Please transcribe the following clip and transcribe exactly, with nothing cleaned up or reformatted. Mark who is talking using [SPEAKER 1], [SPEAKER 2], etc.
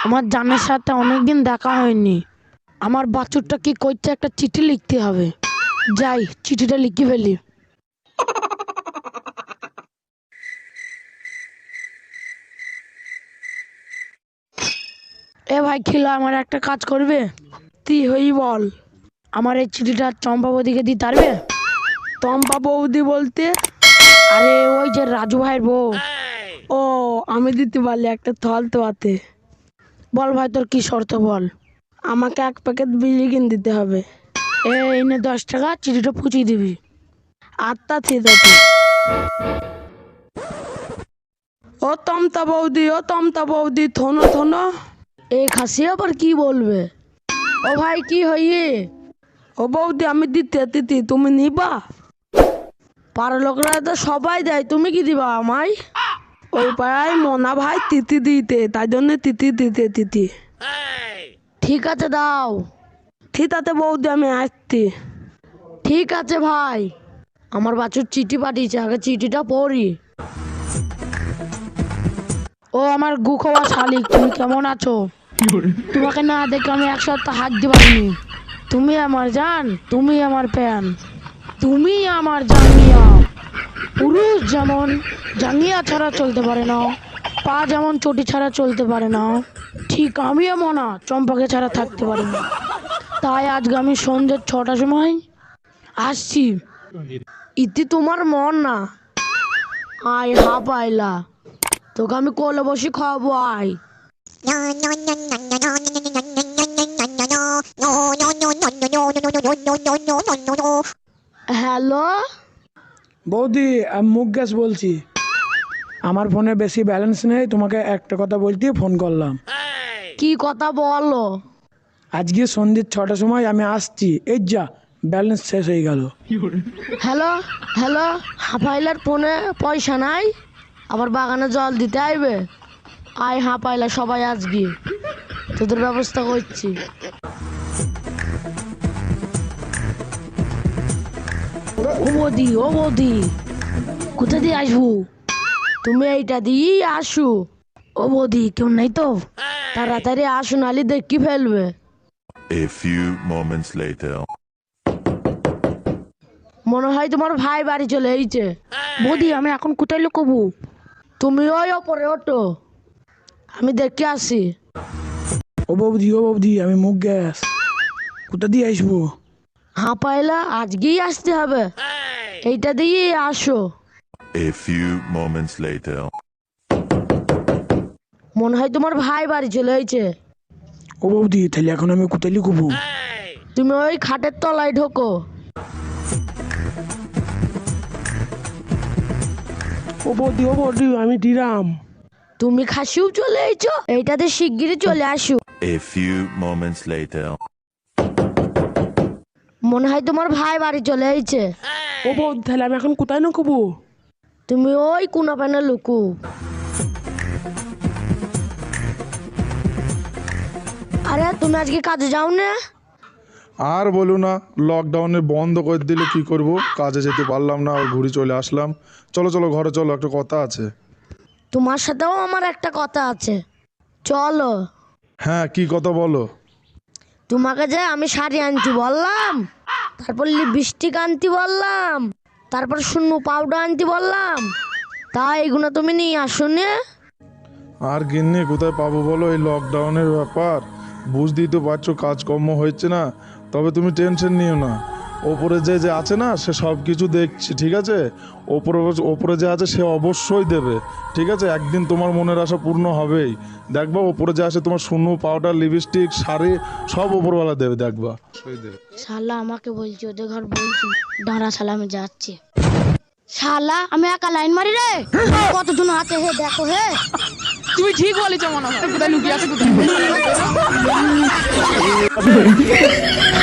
[SPEAKER 1] আমার জানের সাথে অনেকদিন দেখা হয়নি। আমার বাছুরটা কি করছে, একটা চিঠি লিখতে হবে। যাই, চিঠিটা লিখে ফেলি। এ ভাই খিলা, আমার একটা কাজ করবে? তুই হই বল, আমার এই চিঠিটা চম্পা বৌদিকে দিতে পারবে? চম্পা বৌদি বলতে? আরে ওই যে রাজু ভাইয়ের বউ। ও, আমি দিতে পারলে একটা থল তো আতে। বল ভাই, তোর কি শর্ত বল। আমাকে এক প্যাকেট বিড়ি কিনে দিতে হবে। এই নে দশ টাকা, চিঠিটা পুচিয়ে দিবি। আত্মা ঠিক আছে। ও তমতা বৌদি, ও তমতা বৌদি, থনো থনো। এই খাসি আবার কি বলবে? ও ভাই কি হইয়ে? ও বৌদি, আমি দিতে দিতি, তুমি নিবা? পাড়ার লোকরা তো সবাই দেয়, তুমি কি দিবা আমায়? ওই পাড়ায় মোনা ভাই তিতি দিতে, তাই জন্য তিতি দিতে তিতি। ঠিক আছে দাও। ঠিক আছে বৌদি, আমি আসছি। ঠিক আছে ভাই। আমার বাছুর চিঠি পাঠিয়েছে, আগে চিঠিটা পড়ি। ও আমার গুখোয়া শালিক, তুমি কেমন আছো? তোমাকে না দেখে আমি এক সপ্তাহ হাঁটতে পারিনি। তুমি আমার জান, তুমি আমার প্যান, তুমি আমার জাঙ্গিয়া। পুরুষ যেমন জাঙ্গিয়া ছাড়া চলতে পারে না, পা যেমন চটি ছাড়া চলতে পারে না, ঠিক আমিও মনা চম্পাকে ছাড়া থাকতে পারি না। তাই আজকে আমি সন্ধ্যে ছটার সময় আসছি। ইতি তোমার মন না, আয় হা পাইলা, তোকে আমি কোলে বসে খাওয়াবো, আয়। হ্যালো
[SPEAKER 2] বৌদি, আমি মুকেশ বলছি। আমার ফোনে বেশি ব্যালেন্স নেই, তোমাকে একটা কথা বলতে ফোন করলাম।
[SPEAKER 1] কি কথা বলো?
[SPEAKER 2] আজকে সন্ধ্যে ছটার সময় আমি আসছি। এই যা, ব্যালেন্স শেষ হয়ে গেল।
[SPEAKER 1] হ্যালো হ্যালো, হাঁপাইলার ফোনে পয়সা নাই, আবার বাগানে জল দিতে আইবে। আয় হাঁপাইলা সবাই আজকে, তোদের ব্যবস্থা করছি। ও বৌদি, ও বৌদি, কোথা দিয়ে আসবো? তুমি এইটা দিয়েই আসো। ও বৌদি, কেউ নেই তো? তাড়াতাড়ি আসো, নালি দেখি ফেলবে।
[SPEAKER 3] A few moments later.
[SPEAKER 1] মনে হয় তোমার ভাই বাড়ি চলে এইছে। বৌদি, আমি এখন কোথায় লুকবো? তুমি ওই ওপরে ওঠো, আমি দেখে আসি।
[SPEAKER 2] ও বৌদি, ও বৌদি, আমি মুকেশ। কোথা দিয়ে আসবো?
[SPEAKER 1] হ্যাঁ পাইলা, আজকেই আসতে হবে, এইটা দিয়ে আসো।
[SPEAKER 3] A few moments later.
[SPEAKER 1] মনে হয় তোমার ভাই বাড়ি চলে এইছে।
[SPEAKER 2] ও বৌদি, তাহলে এখন আমি কোথায় লুকবো?
[SPEAKER 1] তুমি ওই খাটের তলায় ঢোকো।
[SPEAKER 2] ও বৌদি, ও বৌদি, আমি দিরাম।
[SPEAKER 1] তুমি খাসিও চলে এইছো, এইটাতে শিগগিরই চলে আসো।
[SPEAKER 3] A few moments later.
[SPEAKER 1] মনে হয় তোমার ভাই বাড়ি চলে এইছে।
[SPEAKER 2] ও বৌদি, তাহলে আমি এখন কোথায় লুকবো?
[SPEAKER 1] তুমি ওই কোনা পানে লুকু। আরে তুমি আজকে কাজে যাও না?
[SPEAKER 4] আর বলো না, লকডাউনে বন্ধ করে দিলে কি করব, কাজে যেতে পারলাম না, আর ঘুরে চলে আসলাম। চলো চলো ঘরে চলো, একটা কথা আছে।
[SPEAKER 1] তোমার সাথেও আমার একটা কথা আছে, চলো।
[SPEAKER 4] হ্যাঁ, কি কথা বলো?
[SPEAKER 1] তোমাকে যে আমি শাড়ি আনতে বললাম, তারপর লিপস্টিক আনতে বললাম, তারপর শূন্য পাউডার আনতে বললাম, তা এগুলো তুমি নিয়ে আসো না?
[SPEAKER 4] আর গিন্নি কোথায় পাবো বলো, এই লকডাউনের ব্যাপার, বুঝতেই তো পারছো, কাজকর্ম হচ্ছে না। তবে তুমি টেনশন নিও না, ওপরে যে যে আছে না, সে সব কিছু দেখছি, ঠিক আছে? ওপরে ওপরে যে আছে সে অবশ্যই দেবে, ঠিক আছে? একদিন তোমার মনের আশা পূর্ণ হবেই। দেখবা ওপরে যে আছে, তোমার শূন্য পাউডার, লিপস্টিক, শাড়ি সব ওপরওয়ালা দেবে, দেখবা সেই দেবে।
[SPEAKER 1] শালা আমাকে বলছি, ওদের ঘর বলছি, দাঁড়া শালা আমি যাচ্ছি। শালা আমি একা লাইন মারি রে, কতজন আছে হে দেখো হে।
[SPEAKER 5] তুমি ঠিক বলেছো, মনে হয় কোথায় লুকিয়ে আছে কোথায়